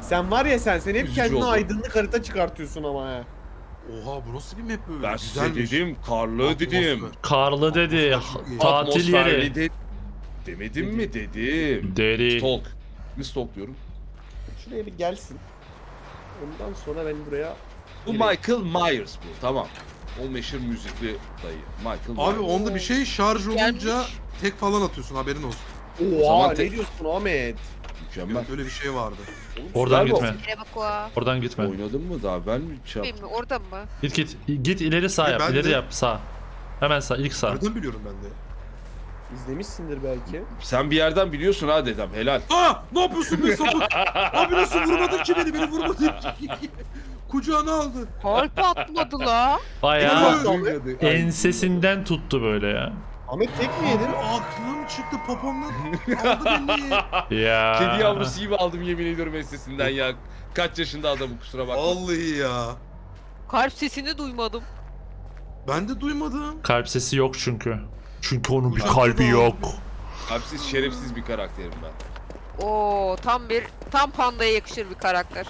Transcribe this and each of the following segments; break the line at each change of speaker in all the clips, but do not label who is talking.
Sen var ya sen hep
Üzücü
kendine
oldu.
aydınlık harita çıkartıyorsun ama he.
Oha bu nasıl bir map böyle?
Ben size
Güzelmiş.
dedim, karlı dedim.
Atmosfer.
Karlı dedi.
Atmosfer çok iyi.
Tatil
Atmosferli
yeri.
de demedim mi dedim.
Deri.
Stalk. Ne stalk diyorum?
Şuraya bir gelsin. Ondan sonra ben buraya...
Bu Michael Myers bu. Tamam. O meşhur müzikli dayı. Michael Myers.
Abi onda bir şey şarj olunca
Gelmiş.
tek falan atıyorsun haberin olsun.
Oha
zaman
ne diyorsun Ahmet?
Mükemmel.
Evet öyle bir şey vardı.
Oradan
Güzel
gitme.
Yere bak o.
Oradan gitme.
Oynadın mı daha? Ben mi şey yaptım?
Bilmiyorum oradan mı?
Git git. Git ileri sağ yap.
Ben
İleri
de-
yap sağ. Hemen sağ. İlk sağ.
Nereden biliyorum ben de?
İzlemişsindir belki.
Sen bir yerden biliyorsun ha dedem. Helal.
Aa! Ne yapıyorsun be sapık? Abi nasıl vurmadın ki beni? Beni vurmadın ki. Kucağına aldı.
Kalp atmadı la.
Bayağı
Duymadı.
ensesinden tuttu böyle ya.
Ahmet tek mi yedin?
Aklım çıktı popomdan aldı beni.
Ya.
Kedi yavrusu gibi aldım yemin ediyorum ensesinden ya. Kaç yaşında adamı kusura bakma.
Vallahi ya.
Kalp sesini duymadım.
Ben de duymadım.
Kalp sesi yok çünkü. Çünkü onun bir
Kucakta
kalbi
da
yok.
Kalpsiz şerefsiz bir karakterim ben.
Oo tam pandaya yakışır bir karakter.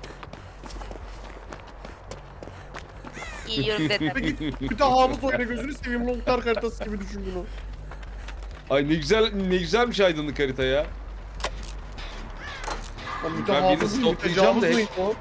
Yiyorum dedim.
Bir de hafız oyna gözünü seveyim Loktar haritası gibi düşün bunu.
Ay ne güzelmiş aydınlık harita ya.
Lan
Ben birini
mütehafız mıyım,
stoklayacağım
mütecavüz
da
mıyım o?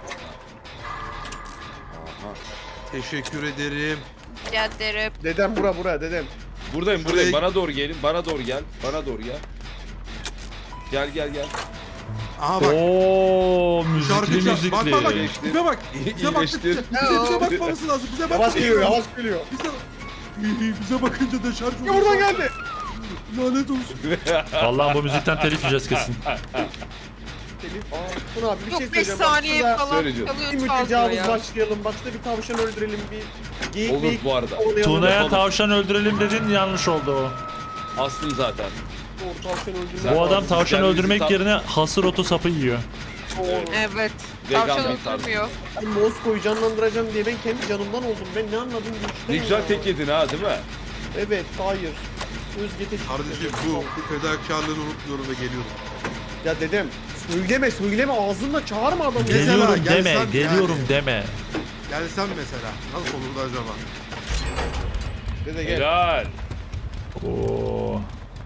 Aha.
Teşekkür ederim.
Rica ederim.
Dedem bura dedem.
Buradayım
Şuraya-
buradayım. Bana doğru gelin. Bana doğru gel. Bana doğru gel. Gel gel gel.
Aha bak.
Oo
Şarkı
müzikli
çal. Bak bak bak.
müzikli.
Bize bak. Bize bak.
İyileştir.
Bize bakmaması lazım. Bize bak.
Yavaş geliyor yavaş geliyor.
Bize bakınca da şarj
Ya buradan geldi.
Lanet olsun.
Vallahi bu müzikten telif yiyeceğiz kesin.
Telif. Tuna abi bir şey
Yok 5
söyleyeceğim. Bak
saniye
şurada
falan
söyleyeceğim.
çalıyor
Bir
çalmıyor
mütecavüz
ya.
başlayalım. Başta bir tavşan öldürelim. Bir geyik
Olur bu arada.
kovalayalım.
Tuna'ya
yapalım.
tavşan öldürelim dedin yanlış oldu o.
Aslım zaten.
Doğru, tavşan öldürmek
Zaten
Bu adam
lazım.
tavşan
kendimizi
öldürmek
tam-
yerine hasır otu sapı yiyor.
Doğru.
Evet.
Vegan
Tavşan
bir tarz.
öldürmüyor.
Ben Mosko'yu canlandıracağım diye ben kendi canımdan oldum. Ben ne anladım bu işten
Ne güzel
ya.
tek yedin ha değil mi?
Evet hayır. Özge tek.
Kardeşim bu fedakarlığını unutmuyorum ve geliyorum.
Ya dedem söyleme ağzınla çağırma adamı.
Mesela
Geliyorum
gelsem
deme,
yani.
geliyorum deme.
Gelsem mesela. Nasıl olurdu acaba?
Dede gel.
Helal.
Oo.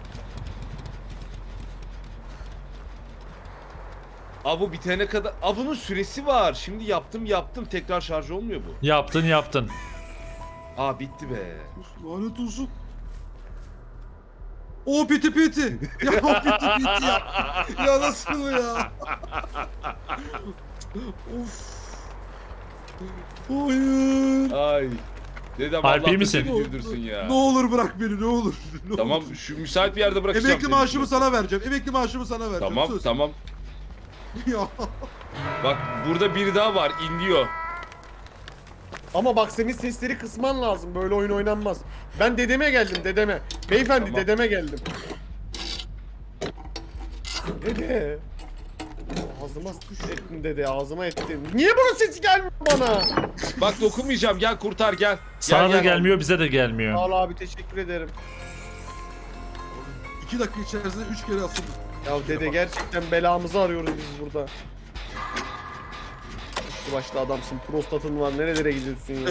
Aa bu bitene kadar... Aa bunun süresi var. Şimdi yaptım. Tekrar şarj olmuyor bu.
Yaptın.
Aa bitti be.
Lanet olsun. O piti piti. Ya o piti piti ya. Ya nasıl ya? Of. Hayır.
Ay. Dedem
Harbi
Allah da
misin?
seni güldürsün ya.
Ne olur bırak beni ne olur. Ne
Tamam
olur.
şu müsait bir yerde bırakacağım
Emekli
seni.
maaşımı sana vereceğim. Emekli maaşımı sana vereceğim.
Tamam
Söz.
tamam.
Ya.
Bak burada biri daha var inliyor.
Ama bak senin sesleri kısman lazım. Böyle oyun oynanmaz. Ben dedeme geldim dedeme. Beyefendi
Tamam.
dedeme geldim. Dede. Ağzıma ettin dede ağzıma ettin. Niye bunun sesi gelmiyor bana?
Bak dokunmayacağım gel kurtar gel.
Sana da
gel.
gelmiyor, bize de gelmiyor.
Sağ ol abi teşekkür ederim.
2 dakika içerisinde 3 kere asıldım.
Ya dede gerçekten belamızı arıyoruz biz burada. Şu başlı adamsın prostatın var nerelere gidiyorsun ya?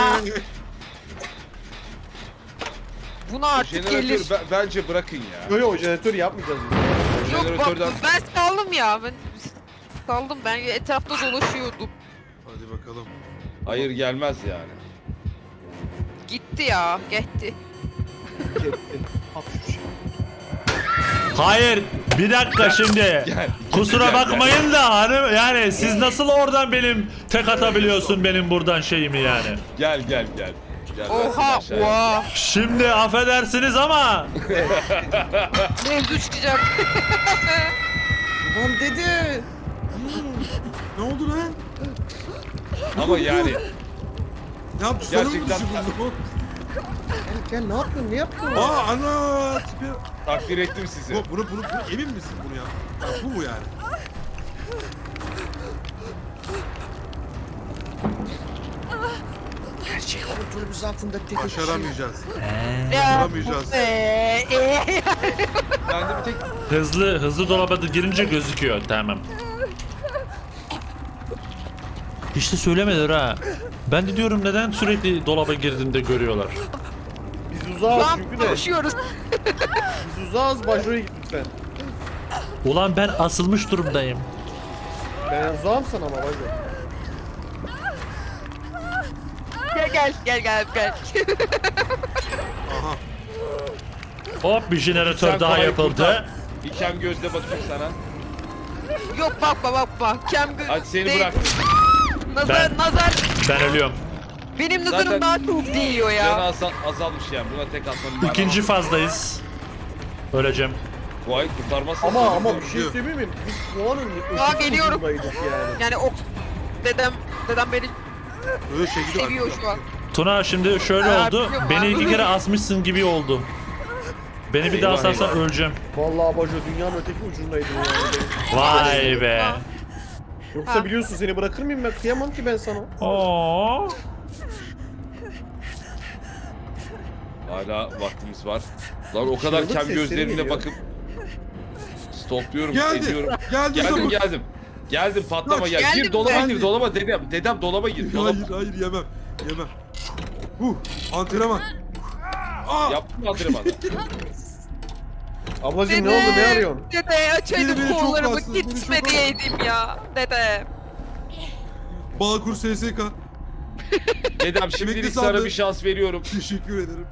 Buna artık gelir.
Jeneratör bence bırakın ya.
Yo jeneratör yapmayacağız biz.
Yok bak
Jeneratörden-
ben saldım ya. Ben etrafta dolaşıyordum.
Hadi bakalım.
Hayır gelmez yani.
Gitti ya. Gitti.
Hayır, bir dakika şimdi.
Gel.
Kusura
Gel,
bakmayın da hani yani siz nasıl oradan benim tek atabiliyorsun benim buradan şeyimi yani.
Gel. Gel ben
Oha.
seni aşağıya-
Oha.
Şimdi affedersiniz ama
Mevzu çıkacak.
Lan dede.
Ne oldu lan?
Ama yani
Ne yaptı? Sana mı
Gerçekten-
düşürdün bu?
Gel ne yapıyorsun ne yapıyorsun?
Aa ana tipi.
takdir ettim sizi.
Bunu emin misin bunu ya? Ya bu mu yani?
Gerçek kontrolümüz altında dede.
Başaramayacağız.
Ya.
Başaramayacağız.
Ben de bir tek
hızlı dolaba da girince gözüküyor, tamam. Hiç de söylemediler ha. Ben de diyorum neden sürekli dolaba girdiğinde görüyorlar.
Biz uzağız
Lan
çünkü de.
konuşuyoruz.
Biz uzağız, Bajo'ya git lütfen.
Ulan ben asılmış durumdayım.
Ben uzağım sana ama Bajo.
Gel.
Aha.
Hop bir jeneratör
Sen
daha
Kuay'ı
yapıldı.
kurtar. Bir kem gözle bakayım sana.
Yok bakma. Kem göz.
Hadi seni
değil.
bıraktım.
Nazar.
Ben ölüyorum.
Benim
Zaten-
nazarım daha çok değiyor
Canı
ya.
azalmış yani. Buna tek atmanın manası.
İkinci fazdayız. Öleceğim.
Kuay kurtarmazsan
Ama bir
sana
şey söyleyeyim mi? Biz puanın
Aa, geliyorum.
ucundaydık yani.
Yani dedem beni
Öyle şey gidiyor.
seviyor şu an.
Tuna şimdi şöyle
Aa,
oldu.
biliyorum
Beni
abi.
2 kere asmışsın gibi oldu. Beni bir daha
Eyvah,
asarsan
eyvah.
öleceğim.
Vallahi Bajo dünyanın öteki ucundaydın yani.
Vay be.
Yoksa
Ha.
biliyorsun seni bırakır mıyım ben? Kıyamam ki ben sana.
Oo.
Hala vaktimiz var. Lan o kadar
Çığlık
kem
sesleri
gözlerimle
geliyor.
bakıp stopluyorum,
Geldi.
ediyorum.
Geldi sabır.
Geldim patlama
Kaç.
gel.
Geldim
Gir dolaba
ben.
gir dolaba dedem dolaba gir. Dolaba.
Hayır yemem. Antrenman. Aa.
Yaptın mı antrenmanı?
Ablacım ne oldu, ne arıyorsun?
Dede
Beni
açaydım
çok
kollarımı
bastı, beni
gitme
çok
diyeydim ya. Dede.
Bağkur SSK.
Dedem şimdilik
Emekli
sana
sandı.
bir şans veriyorum.
Teşekkür ederim.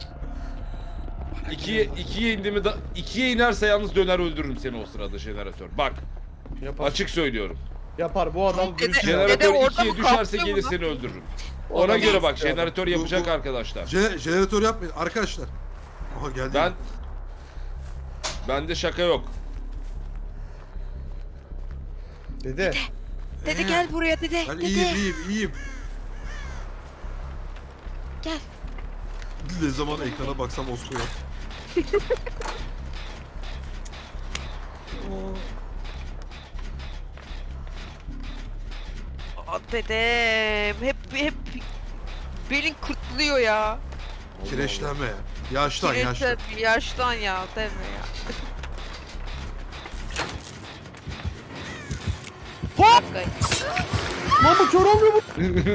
İkiye indi mi da ikiye inerse yalnız döner öldürürüm seni o sırada jeneratör. Bak
Yapar.
açık söylüyorum.
Yapar bu adam.
Dede-
dürüst ya.
Dede
Jeneratör
orada
ikiye
mı
düşerse
kalkıyor
gelir
mu
seni öldürürüm.
O
Ona
adam
göre bak
dürüst ya.
jeneratör yapacak
Bu-
arkadaşlar.
Jeneratör yapmayın arkadaşlar. Aha geldi.
Bende şaka yok.
Dede.
Dede gel buraya dede.
Ben
Dede.
iyiyim.
Gel.
Ne zaman ekrana baksam Osko'ya.
Aa, dedem. Hep belin kırtlıyor ya.
Kireçlenme ya. Yaşlan.
Yaştan ya deme ya. Hop!
Lan bu kör olmuyor mu?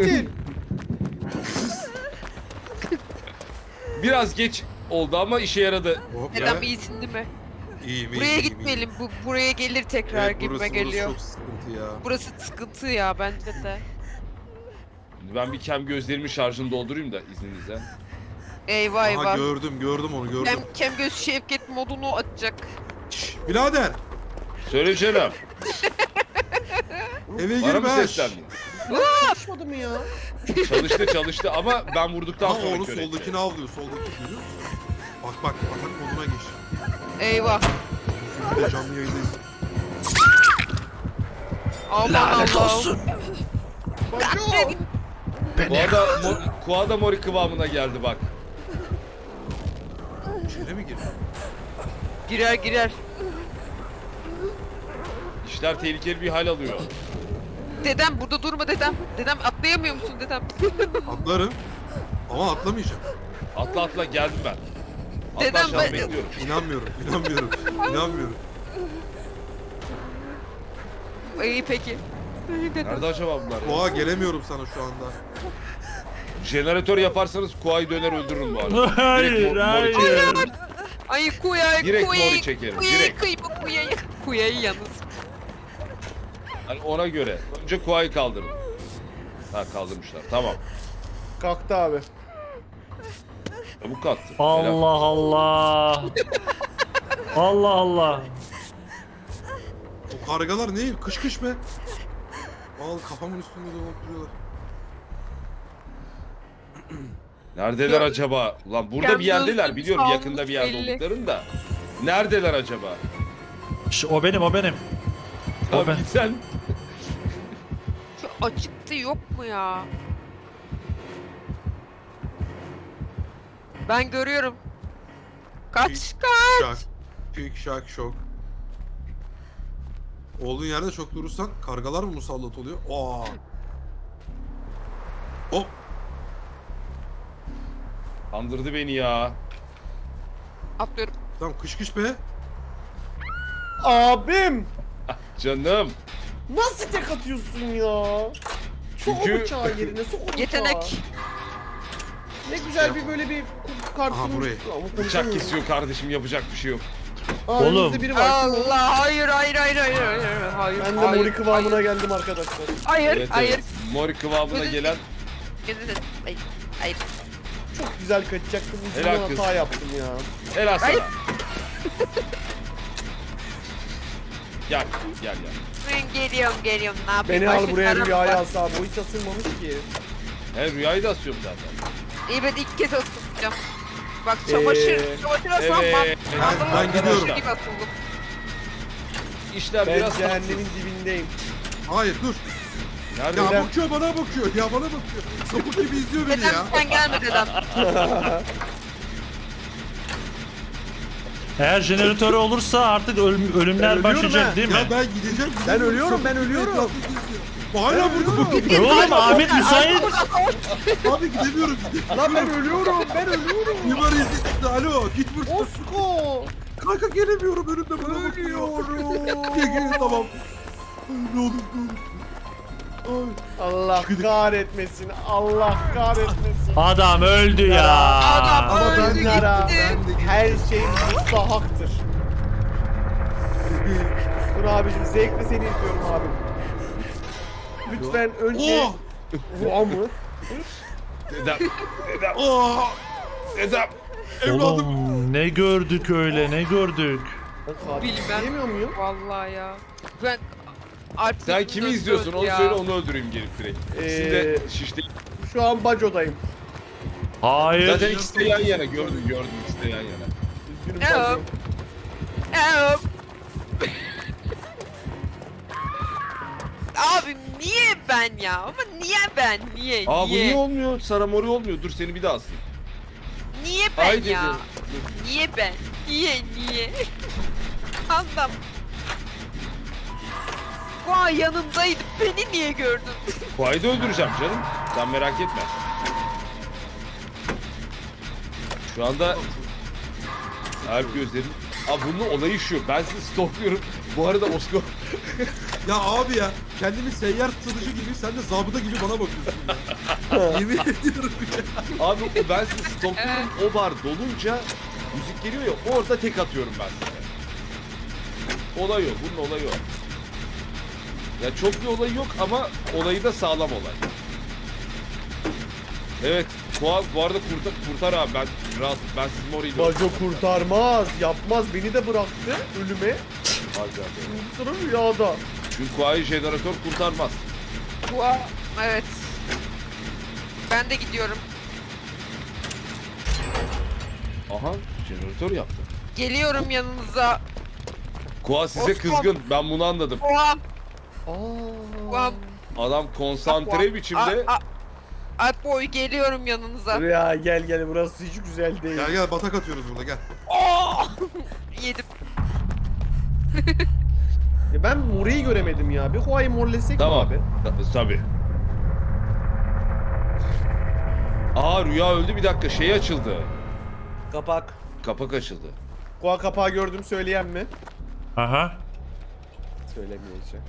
Biraz geç oldu ama işe yaradı.
Hop
Dedem
ya.
iyisin değil mi?
İyiyim.
Buraya gitmeyelim. Buraya gelir tekrar
Evet,
gibime
burası
geliyor.
çok sıkıntı ya.
Burası sıkıntı ya bence de.
Ben bir kem gözlerimin şarjını doldurayım da izninizle.
Eyvah
Aha
eyvah.
gördüm onu gördüm.
Kem göz Şevket modunu açacak.
Şşş, birader
Söyle canım.
eve
Bana mı
girme.
seslendin?
Çalışmadı mı ya?
Çalıştı ama ben vurduktan
Ama
sonra
onu
kör etti.
soldakini avlıyor. Soldaki görüyor musun? Bak atak moduna geç.
Eyvah.
Bir de canlı yayındayız.
Aman
Lanet
Allah'ım.
olsun.
Kuada mori kıvamına geldi bak.
İçine mi girdi?
Girer.
İşler tehlikeli bir hal alıyor.
Dedem burada durma dedem. Dedem atlayamıyor musun dedem?
Atlarım. Ama atlamayacağım.
Atla geldim ben. Atla
Dedem
aşağı
ben-
bekliyorum.
İnanmıyorum.
İyi peki. Dedem.
Nerede acaba bunlar ya?
Oha gelemiyorum sana şu anda.
Jeneratör yaparsanız Kuay'ı döner öldürürüm bu arada. Direkt
Hayır,
mori
hayır.
çekerim.
Ay kuyayı
Direkt mori çekerim, direkt.
kıyma kuyayı. Kuyayı yalnız.
Hani ona göre. Önce Kuay'ı kaldırın. Ha kaldırmışlar. Tamam.
Kalktı abi.
Çabuk kalktı.
Allah Allah. Allah Allah.
O kargalar ne? Kış be. Al kafamın üstünde dolanıp duruyorlar.
Neredeler
Ya-
acaba? Ulan burada
Kem
bir yerdeler
gözlü
biliyorum
salmış
yakında bir yerde
belli.
olduklarını da. Neredeler acaba?
O benim. O
Abi
ben.
sen
Şu açıktı yok mu ya? Ben görüyorum. Kaç.
Şak. Küçük şak şok. Olduğun yerde çok durursan kargalar mı musallat oluyor? Aa. Hop.
kandırdı beni ya.
Atlıyorum.
Tamam kış be.
Abim!
Canım.
Nasıl tek atıyorsun ya? Sok o
Çünkü-
bıçağı yerine, sok o bıçağı.
Yetenek.
Ne güzel bir böyle bir kartın.
Aha, burayı.
Bıçak kesiyor kardeşim, yapacak bir şey yok.
Oğlum.
Önümüzde biri var. Kim o?
Allah hayır hayır hayır hayır hayır hayır.
Ben de
hayır,
mori kıvamına geldim arkadaşlar.
Hayır
Evet,
hayır.
evet. Mori kıvamına
Gözün-
gelen
Hayır. Hayır. Hayır.
Çok güzel kaçacaktım.
Helal
Ucundan
kız.
hata yaptım ya.
helal sana.
Hayır.
Gel gel.
Ben geliyorum ne yapayım?
Beni al
Başka
buraya
çarem
rüyaya
var.
alsa abi. O hiç asılmamış ki.
He, rüyayı da asıyorum zaten.
İyi ben ilk kez asılacağım. Bak çamaşır. Çamaşır aslan
Evet.
Ben gidiyorum.
Gibi asıldım.
İşler
Ben
biraz
cehennemin
tatsız.
dibindeyim.
Hayır dur.
Nerede?
Ya
Neden?
bakıyor bana bakıyor. Ya bana bakıyor. Sapık gibi izliyor beni
Dedem
ya.
sen gelme dedem.
Eğer jeneratörü olursa artık ölümler
ölüyorum
başlayacak
ha.
değil mi?
Ya ben gideceğim.
Ben ölüyorum, ben ölüyorum.
Etrafı geziyor. Hala burada bakıyor.
Oğlum Ahmet müsait.
Abi gidemiyorum.
Lan ben ölüyorum, ben ölüyorum.
Mimar izledi. Alo git buradan.
Osko.
Kanka gelemiyorum önümde bana bakıyor. Gel tamam. Ay, ne olur ne olur. Ay.
Allah kahretmesin, Allah kahretmesin.
Adam öldü ya.
Adam
Ama ben
öldü
de-
Bunlara
gitti.
her şey müstahaktır. Dur abicim, zevkle seni izliyorum abim. Lütfen önce...
Oh!
Vaa mı?
Dedem. Dedem.
Oh!
Dedem.
Evladım.
Oğlum ne gördük öyle ne gördük.
Ben katil
Bilmem.
diyemiyor muyum?
Vallahi ya. Ben Alp
Sen
gözümün
kimi
önünde
izliyorsun
öldü
onu
ya.
söyle, onu öldüreyim gelip direkt. İkisi de şişti.
Şu an bacodayım.
Hayır.
Zaten ikisi de yan yana, gördüm ikisi de yan yana.
Üzgünüm
Ne
baco.
o? Evet. Abi niye ben ya? Ama niye ben? Niye?
Aa bu
niye?
niye olmuyor? Sarı mori olmuyor. Dur seni bir daha asayım.
Niye ben
Haydi
ya?
dedim.
Niye ben? Niye? Anlam. Vay yanımdaydı. Beni niye gördün?
Kuay'ı da öldüreceğim canım. Sen merak etme. Şu anda Alp gözlerim. Aa bunun olayı şu. Ben sizi stalkluyorum. Bu arada Osko.
Ya abi ya kendini seyyar satıcı gibi sen de zabıta gibi bana bakıyorsun ya. Yemin ediyorum ya.
Abi ben sizi stalkluyorum. O bar dolunca müzik geliyor ya, orada tek atıyorum ben size. Olay o. Bunun olayı o. Ya çok bir olayı yok ama olayı da sağlam olay. Evet. Kual bu arada kurtar abi, ben rahat, ben siz Mori'yle
Baco kurtarmaz, yapmaz. Beni de bıraktı ölüme.
Acaba.
Şimdi sıra rüyada.
Çünkü Kuay'ı jeneratör kurtarmaz.
Vay. Evet. Ben de gidiyorum.
Aha, jeneratör yaptı.
Geliyorum yanınıza.
Kuay size
Osman.
kızgın. Ben bunu anladım.
Vay.
Aa.
Vay.
Adam konsantre biçimde.
Alp boy geliyorum yanınıza.
Rüya gel burası hiç güzel değil.
Gel gel batak atıyoruz burada gel.
Oh! Yedim.
Ya ben Mori'yi göremedim ya. Bir Huay'ı morlesek mi
Tamam.
abi?
Tabii. Aa rüya öldü, bir dakika şey açıldı.
Kapak.
Kapak açıldı.
Hua kapağı gördüm söyleyen mi?
Aha.
Söylemeyeceğim.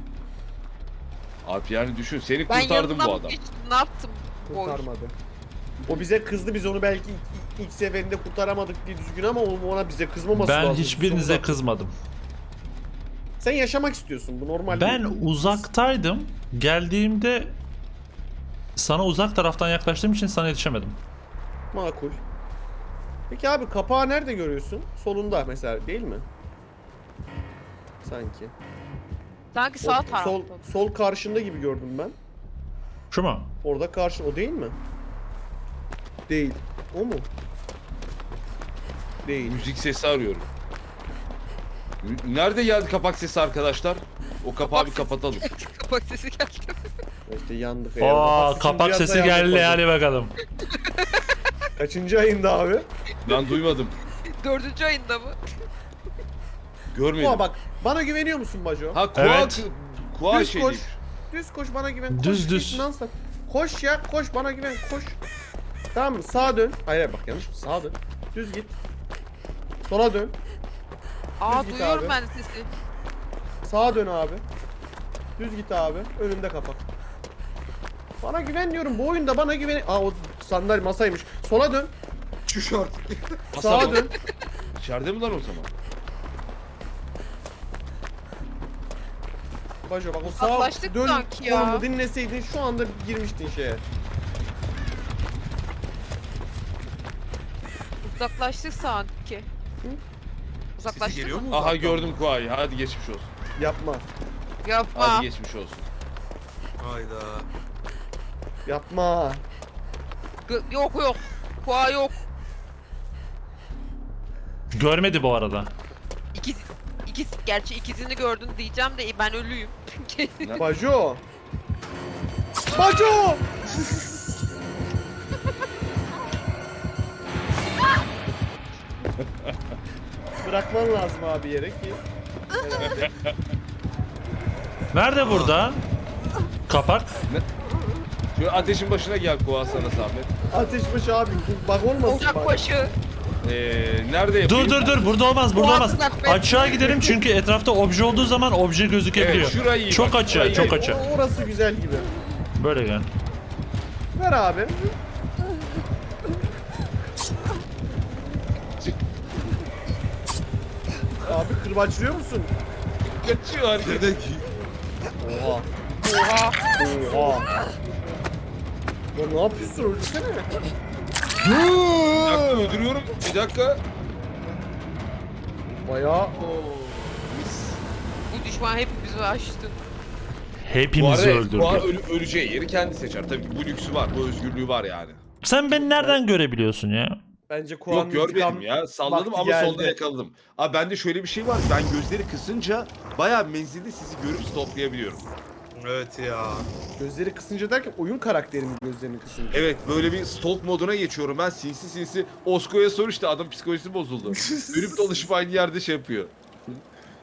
Alp yani düşün, seni
Ben
kurtardım
yanından
bu adam.
geçtim. Ne yaptım? Boy.
Kurtarmadı. O bize kızdı, biz onu belki ilk seferinde kurtaramadık diye düzgün ama ona bize kızmaması
Ben
lazım.
hiçbirinize
Sonunda.
kızmadım.
Sen yaşamak istiyorsun, bu normal
Ben
değil.
uzaktaydım. Geldiğimde sana uzak taraftan yaklaştığım için sana yetişemedim.
Makul. Peki abi kapağı nerede görüyorsun? Solunda mesela değil mi? Sanki.
Sanki
O-
sağ tarafta.
sol karşında gibi gördüm ben.
Şu mu?
Orada karşı, o değil mi? Değil. O mu? Değil.
Müzik sesi arıyorum. Nerede geldi kapak sesi arkadaşlar? O kapağı bir
sesi.
kapatalım.
Kapak sesi geldi.
İşte yandık.
Aa, kapak sesi geldi hadi bakalım.
Kaçıncı ayında abi?
Ben duymadım.
4. ayında mı?
Görmedim.
Kua bak, bana güveniyor musun Baco?
Ha Kua,
Evet.
Kua
Düz
şey
koş.
değil.
Düz koş, bana güven. Koş,
Düz,
git,
düz.
non-stop. Koş ya, koş, bana güven, koş. Tamam mı? Sağa dön. Hayır bak, yanlış mı? Sağa dön. Düz git. Sola dön.
Aa
git
duyuyorum
abi.
ben sesi.
Sağa dön abi. Düz git abi. Önümde kapak. Bana güven diyorum. Bu oyunda bana güven. Aa o sandalye masaymış. Sola dön.
Şu artık.
Sağa dön.
İçeride mi lan o zaman?
Bajo bak o sağa
Uzaklaştık
dön.
sanki ya.
Kolumu dinleseydin şu anda girmiştin şeye.
Uzaklaştık sanki.
Sesi
Uzaklaştık
geliyor
mı?
mu?
Aha
uzaktan?
gördüm Kuay'ı. Hadi geçmiş olsun.
Yapma.
Yapma.
Hadi geçmiş olsun.
Hayda.
Yapma.
Yok yok. Kuğa yok.
Görmedi bu arada.
İkisi gerçi ikisini gördün diyeceğim de ben ölüyüm.
Bajo. Bajo. Bırakman lazım abi yere ki. Herhalde.
Nerede burada? Kapak.
Şöyle ateşin başına gel Kuay sana zahmet.
Ateşbaşı abi bak olmasın
Ocak
bak.
başı.
Nerede yapayım?
Dur burada olmaz burada
Bu
olmaz.
atlar be.
Aşağı gidelim çünkü etrafta obje olduğu zaman obje gözükebiliyor.
Evet, şurayı iyi
Çok
bak,
açığa
şurayı
çok
iyi.
açığa.
Orası güzel gibi.
Böyle gel.
Ver abi. Abi kırbaçlıyor musun?
Kaçıyor hareket.
Nerede?
Oha.
Oha.
Oha. Ya ne yapıyorsun öldürsene.
Bir dakika öldürüyorum. Bir dakika.
Bayağı
Bu düşman hepimizi açtı.
Bu
Hepimizi
arada
öldürdü.
Kuay öleceği yeri kendi seçer. Tabii ki bu lüksü var. Bu özgürlüğü var yani.
Sen beni nereden görebiliyorsun ya?
bence Kuan'ın
Yok görmedim ya. Salladım
vakti
ama
geldi.
solda yakaladım. Abi bende şöyle bir şey var. Ben gözleri kısınca bayağı menzilde sizi görüp stoplayabiliyorum.
Evet ya.
Gözleri kısınca derken oyun karakterimin gözlerini kısınca.
Evet böyle bir stalk moduna geçiyorum ben sinsi sinsi. Osko'ya sor işte adam psikolojisi bozuldu. Dönüp dolaşıp aynı yerde şey yapıyor.